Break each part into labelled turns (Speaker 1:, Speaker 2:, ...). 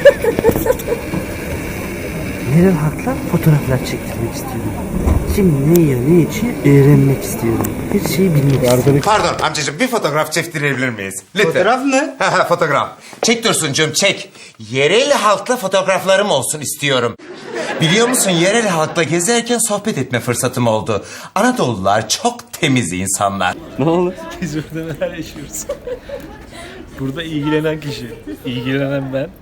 Speaker 1: Yerel halkla fotoğraflar çektirmek istiyorum. Kim ne yiyor, ne içiyor öğrenmek istiyorum. Her şeyi bilmek istiyorum.
Speaker 2: Pardon amcacığım, bir fotoğraf çektirebilir miyiz? Lütfen.
Speaker 3: Fotoğraf mı?
Speaker 2: Fotoğraf. Çek Dursuncuğum, çek. Yerel halkla fotoğraflarım olsun istiyorum. Biliyor musun, yerel halkla gezerken sohbet etme fırsatım oldu. Anadolular çok temiz insanlar.
Speaker 1: Ne olur?
Speaker 4: Biz burada neler yaşıyoruz? Burada ilgilenen kişi, ilgilenen ben.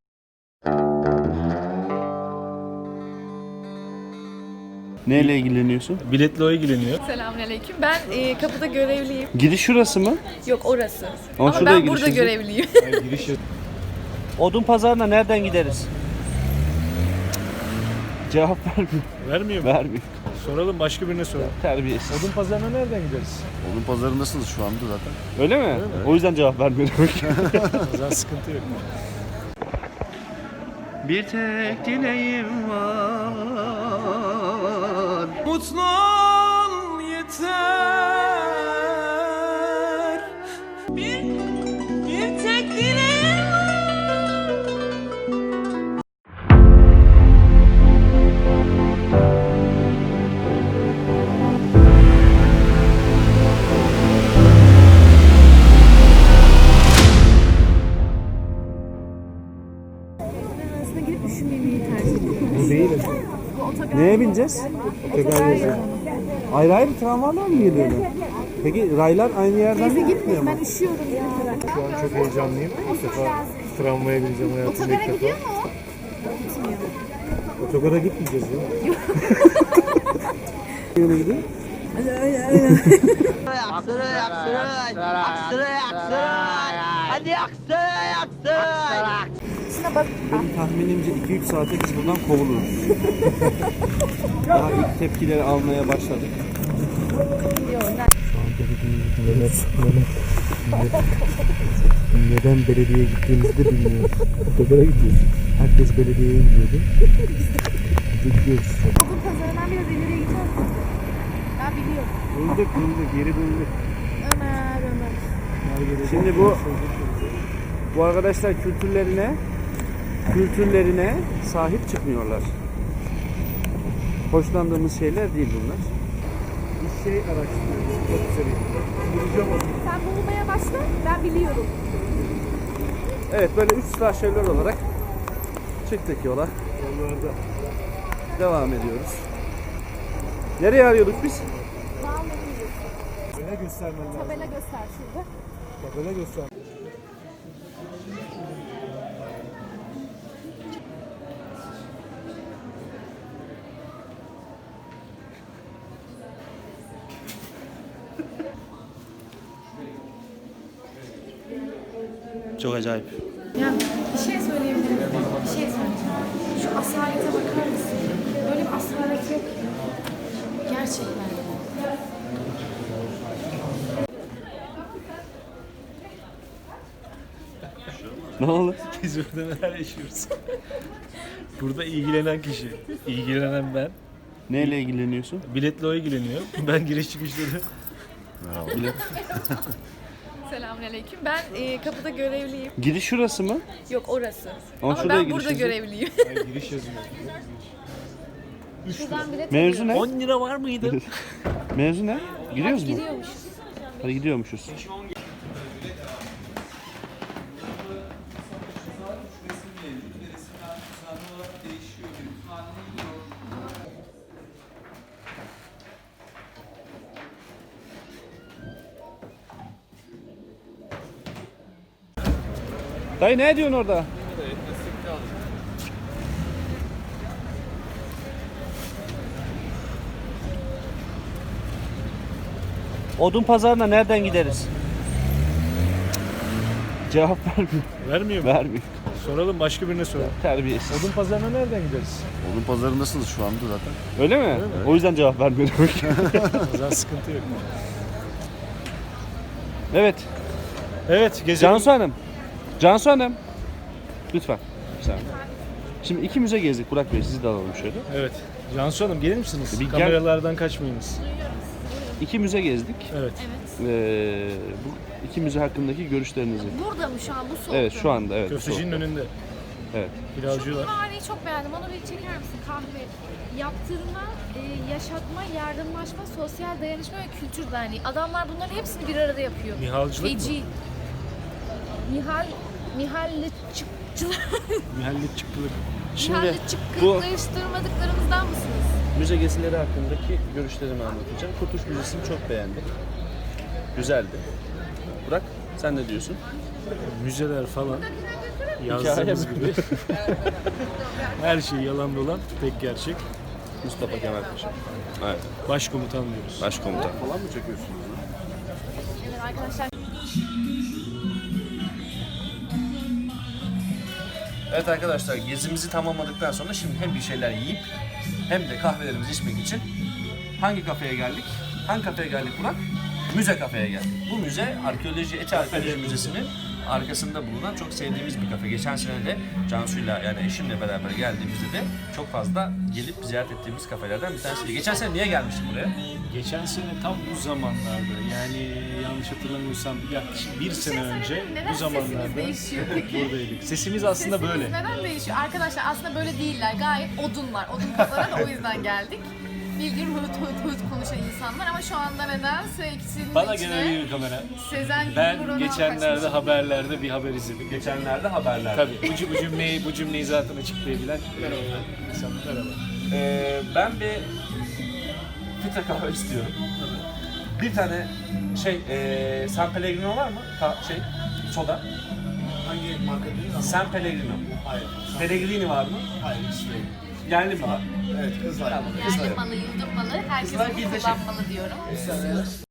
Speaker 1: Neyle ilgileniyorsun?
Speaker 4: Biletle o ilgileniyor.
Speaker 5: Selamünaleyküm. Ben kapıda görevliyim.
Speaker 1: Giriş şurası mı?
Speaker 5: Yok orası.
Speaker 1: Ama
Speaker 5: Ama
Speaker 1: şuraya
Speaker 5: ben burada
Speaker 1: girişiniz yok.
Speaker 5: görevliyim.
Speaker 1: Odun pazarına nereden gideriz? Cevap vermiyor.
Speaker 4: Vermiyor mu?
Speaker 1: Vermiyor.
Speaker 4: Soralım, başka birine soralım.
Speaker 1: Terbiyesiz.
Speaker 4: Odun pazarına nereden gideriz?
Speaker 3: Onun pazarındasınız şu anda zaten.
Speaker 1: Öyle mi? O yüzden cevap vermiyor.
Speaker 4: O zaman sıkıntı yok.
Speaker 1: Bir tek dileğim var.
Speaker 6: Mutlu ol yeter. Bir tek dileğim
Speaker 5: Aslında gidip düşünmemeyi tercih ediyorum.
Speaker 1: Bu değil. Neye bineceğiz? Ayrı ayrı tramvaylar mı geliyorlar? Peki raylar aynı yerden mi gitmiyor mu?
Speaker 5: Ben üşüyorum ya.
Speaker 4: Şu an çok heyecanlıyım. İlk defa tramvaya bineceğim hayatımda ilk defa. Otogara gitmeyeceğiz ya.
Speaker 1: Yöne gidiyor. Benim tahminimce 2-3 saate biz buradan kovuluruz. Daha ilk tepkileri almaya başladık. Neden belediyeye gittiğimizi de bilmiyoruz. Otogara gidiyoruz. Herkes belediyeye gidiyordu. Gidiyoruz.
Speaker 5: Okul pazarından biraz ileriye gideceğiz. Ben biliyorum.
Speaker 1: Bulduk, yeri bulduk.
Speaker 5: Ömer.
Speaker 1: Şimdi bu arkadaşlar kültürlerine sahip çıkmıyorlar. Hoşlandığımız şeyler değil bunlar. Bir şey araştırıyoruz. Çok güzel.
Speaker 5: Sen bulmaya başla. Ben biliyorum.
Speaker 1: Evet, böyle 3 slasherler olarak çıktık yola. Devam ediyoruz. Nereye arıyorduk biz?
Speaker 4: Tabela göstermen lazım.
Speaker 5: Tabela göster şurada.
Speaker 4: Tabela göster.
Speaker 1: Çok acayip.
Speaker 5: Ya bir şey söyleyebilir miyim? Bir şey söyleyeceğim. Şu asalete bakar mısın? Böyle bir asalet yok ya. Gerçekten.
Speaker 1: Ne oldu?
Speaker 4: Biz burada neler yaşıyoruz? Burada ilgilenen kişi, ilgilenen ben.
Speaker 1: Neyle ilgileniyorsun?
Speaker 4: Biletle o ilgileniyor. Ben giriş çıkışları.
Speaker 5: Selamünaleyküm. Ben kapıda görevliyim.
Speaker 1: Giriş şurası mı?
Speaker 5: Yok orası.
Speaker 1: Ama
Speaker 5: Ama
Speaker 1: şuraya
Speaker 5: ben burada
Speaker 1: girişiniz yok.
Speaker 5: görevliyim.
Speaker 4: Giriş yazıyor.
Speaker 5: Şuradan bilet
Speaker 1: Mevzu ne?
Speaker 4: 10 lira var mıydı?
Speaker 1: Mevzu ne? Giriyoruz mu?
Speaker 5: gidiyormuşuz.
Speaker 1: Hadi gidiyormuşuz. Dayı ne diyorsun orada? Odun pazarına nereden gideriz? Cevap vermiyor.
Speaker 4: Vermiyor mu?
Speaker 1: Vermiyor.
Speaker 4: Soralım, başka birine soralım.
Speaker 1: Terbiyesiz.
Speaker 4: Odun pazarına nereden gideriz?
Speaker 3: Onun pazarındasınız şu anda zaten.
Speaker 1: Öyle mi? O yüzden cevap vermiyor.
Speaker 4: O zaman sıkıntı yok.
Speaker 1: Evet.
Speaker 4: Evet, gezelim.
Speaker 1: Cansu Hanım. Cansu Hanım. Lütfen. Bir saniye. Şimdi iki müze gezdik. Burak Bey sizi de alalım şöyle.
Speaker 4: Evet. Cansu Hanım, gelir misiniz?
Speaker 1: Bir gel.
Speaker 4: Kameralardan kaçmayınız.
Speaker 1: İki müze gezdik.
Speaker 4: Evet.
Speaker 1: Bu iki müze hakkındaki görüşlerinizi.
Speaker 5: Burada mı şu an bu soğukta?
Speaker 1: Evet şu anda evet.
Speaker 4: Köftecinin önünde. Evet. Pilavcılar.
Speaker 5: Mimareyi çok beğendim. Onu bir çeker misin? Kahve. Yaptırma, yaşatma, yardımlaşma, sosyal dayanışma ve kültür derneği. Adamlar bunların hepsini bir arada yapıyor.
Speaker 4: Mihalcılık mı?
Speaker 5: Feci. Mihallıççıkçılar.
Speaker 4: Mühendisçiklik.
Speaker 5: Mihallıççıklaştırmadıklarımızdan mısınız?
Speaker 7: Müze gezileri hakkındaki görüşlerimi anlatacağım. Kurtuluş Müzesi'ni çok beğendim. Güzeldi. Burak, sen ne diyorsun?
Speaker 4: Müzeler falan.
Speaker 7: Hikaye
Speaker 4: Yazdığımız
Speaker 7: mi?
Speaker 4: gibi. Her şey yalan dolan, tek gerçek.
Speaker 7: Mustafa Kemal Paşa. Evet.
Speaker 4: Başkomutan diyoruz.
Speaker 7: Başkomutan.
Speaker 3: Falan mı çekiyorsunuz?
Speaker 5: Evet arkadaşlar.
Speaker 7: Evet arkadaşlar, gezimizi tamamladıktan sonra şimdi hem bir şeyler yiyip hem de kahvelerimizi içmek için hangi kafeye geldik? Hangi kafeye geldik Burak? Müze kafeye geldik. Bu müze Eti Arkeoloji Müzesi'nin arkasında bulunan çok sevdiğimiz bir kafe. Geçen sene de Cansu'yla yani eşimle beraber geldiğimizde de çok fazla gelip ziyaret ettiğimiz kafelerden bir tanesiydi. Geçen sene niye gelmiştin buraya?
Speaker 4: Geçen sene tam bu zamanlarda, yani yanlış hatırlamıyorsam yaklaşık bir sene önce
Speaker 5: neden
Speaker 4: bu zamanlarda
Speaker 5: sesimiz değişiyor peki?
Speaker 4: buradaydık. Sesimiz aslında
Speaker 5: Sesiniz
Speaker 4: böyle.
Speaker 5: neden değişiyor? Arkadaşlar aslında böyle değiller. Gayet odunlar. Odun kafalar da o yüzden geldik. Bildiğin hıt konuşan insanlar ama şu anda nedense ikisinin
Speaker 4: Bana
Speaker 5: içine
Speaker 4: gelen bir kamera.
Speaker 5: Sezen
Speaker 4: Ben
Speaker 5: Gülburun'a
Speaker 4: geçenlerde
Speaker 5: kaçmış.
Speaker 4: haberlerde bir haber izledim.
Speaker 7: Geçenlerde haberlerde.
Speaker 4: Tabii bu cümleyi zaten açıklayabilen insanlar merhaba.
Speaker 7: Ben bir filtre kahve istiyorum. Bir tane San Pellegrino var mı? Soda.
Speaker 3: Hangi marka değil ama?
Speaker 7: San Pellegrino.
Speaker 3: Hayır.
Speaker 7: Pellegrini var mı?
Speaker 3: Hayır, hiç değil.
Speaker 7: Yerli mi var?
Speaker 3: Evet, kızlar.
Speaker 5: Yerli malı, yurdum malı, herkes
Speaker 7: Kızlar
Speaker 5: bunu
Speaker 7: birleşik.
Speaker 5: kullanmalı diyorum.